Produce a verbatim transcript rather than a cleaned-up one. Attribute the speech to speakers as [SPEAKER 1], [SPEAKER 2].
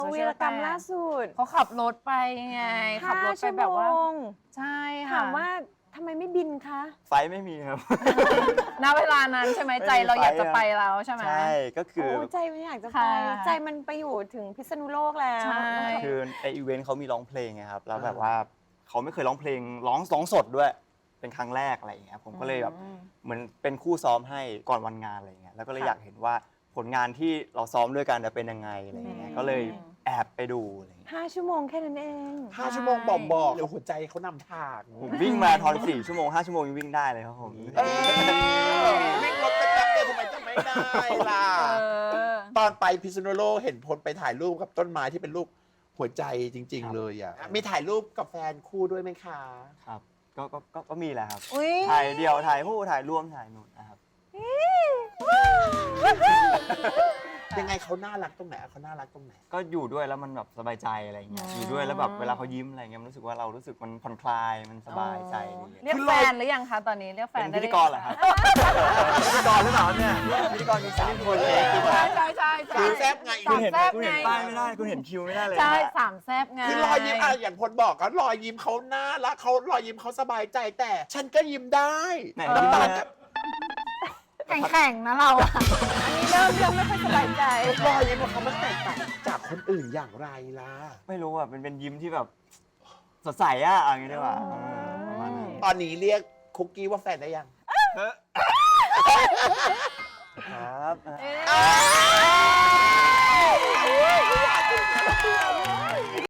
[SPEAKER 1] วีรกรรมล่าสุด
[SPEAKER 2] เขาขับรถไปไงขับรถไปแบบว่าใช่ค่ะ
[SPEAKER 1] ถามว่าทำไมไม่บินคะ
[SPEAKER 3] ไฟไม่มีครับ
[SPEAKER 2] ณเวลานั้นใช่ไหมใจเราอยากจะไปแล้วใช่ไหม
[SPEAKER 3] ใช่ก็คือ
[SPEAKER 1] โอ้ใจมันอยากจะไป
[SPEAKER 2] ค่ะ
[SPEAKER 1] ใจมันไปอยู่ถึงพิษณุโลกแล้ว
[SPEAKER 2] ใช่
[SPEAKER 3] คือในอีเวนต์เขามีร้องเพลงไงครับแล้วแบบว่าเขาไม่เคยร้องเพลงร้องร้องสดด้วยเป็นครั้งแรกอะไรอย่างเงี้ยผมก็เลยแบบเหมือนเป็นคู่ซ้อมให้ก่อนวันงานอะไรอย่างเงี้ยแล้วก็เลยอยากเห็นว่าผลงานที่เราซ้อมด้วยกันจะเป็นยังไงอะไรอย่างเงี้ยก็เลยแอบไปดูอะไรอย่างเงี้ย
[SPEAKER 1] ห้าชั่วโมงแค่นั้นเอง
[SPEAKER 4] ห้าชั่วโมงบอกบอกเดี๋ยวหัวใจเขานำทาง
[SPEAKER 3] ผมวิ่งมาราธอนสี่ชั่วโมงห้าชั่วโมงยังวิ่งได้เลยครับผม
[SPEAKER 4] เออวิ่งรถไปแป๊บเดียวทำไมจะไม่ได้ล่ะ
[SPEAKER 2] เออ
[SPEAKER 4] ตอนไปพิษณุโลกเห็นพลไปถ่ายรูปกับต้นไม้ที่เป็นรูปหัวใจจริง ๆ เลยอ่ะมีถ่ายรูปกับแฟนคู่ด้วยไหมคะ
[SPEAKER 3] ครับก็ก็ก็ก็มีแหละครับ
[SPEAKER 2] อุ๊ย
[SPEAKER 3] ถ่ายเดี่ยวถ่ายคู่ถ่ายร่วมถ่ายหนุนนะครับ
[SPEAKER 4] ยังไงเขาน่ารักตรงไหนเขาน่ารักตรงไหน
[SPEAKER 3] ก็อยู่ด้วยแล้วมันแบบสบายใจอะไรเงี้ยอยู่ด้วยแล้วแบบเวลาเขายิ้มอะไรเงี้ยมันรู้สึกว่าเรารู้สึกมันผ่อนคลายมันสบายใจดี
[SPEAKER 2] เรียกแฟนหรือยังคะตอนนี้เรียกแฟ
[SPEAKER 3] เป็น น
[SPEAKER 2] ได้
[SPEAKER 3] พิธีกรเหรอครับพิธีกรหรือเปล่าเนี่ยพิธีกรมีสามคนเลยคือ
[SPEAKER 2] ใช่ใช่ใช่ใช่
[SPEAKER 4] คือแซ่บไง
[SPEAKER 2] สา
[SPEAKER 3] คุณ
[SPEAKER 2] ม
[SPEAKER 3] เห็น
[SPEAKER 2] แซบ
[SPEAKER 3] คุณ
[SPEAKER 2] ไง
[SPEAKER 3] เห็นป้ายไม่ได้คุณเห็นคิวไม่ได้เลย
[SPEAKER 2] ใช่
[SPEAKER 3] นะ
[SPEAKER 2] สามแซบไง
[SPEAKER 4] คือรอยยิ้มอะอย่างพลบอกก็รอยยิ้มเขาน่ารักเขารอยยิ้มเขาสบายใจแต่ ฉันก็ยิ้มได้
[SPEAKER 3] ไหน
[SPEAKER 4] น้ำตา
[SPEAKER 3] น้ำตา
[SPEAKER 4] ล
[SPEAKER 3] ล
[SPEAKER 4] กับ
[SPEAKER 2] แข่งๆนะเราอะ
[SPEAKER 1] อันนี้เริ่มเริ่มไม่ค่อยสบายใจ
[SPEAKER 4] รอยยิ้มของเขามันแตกต่างจากคนอื่นอย่างไรล่ะ
[SPEAKER 3] ไม่รู้อ่ะเป็นเป็นยิ้มที่แบบสดใสอ่ะเอาอย่างนี้ดีกว่าเออประมาณนั้น
[SPEAKER 4] ตอนนี้เรียกคุกกี้ว่าแฟนได้ยัง
[SPEAKER 3] ครับ
[SPEAKER 2] เอ๊ะ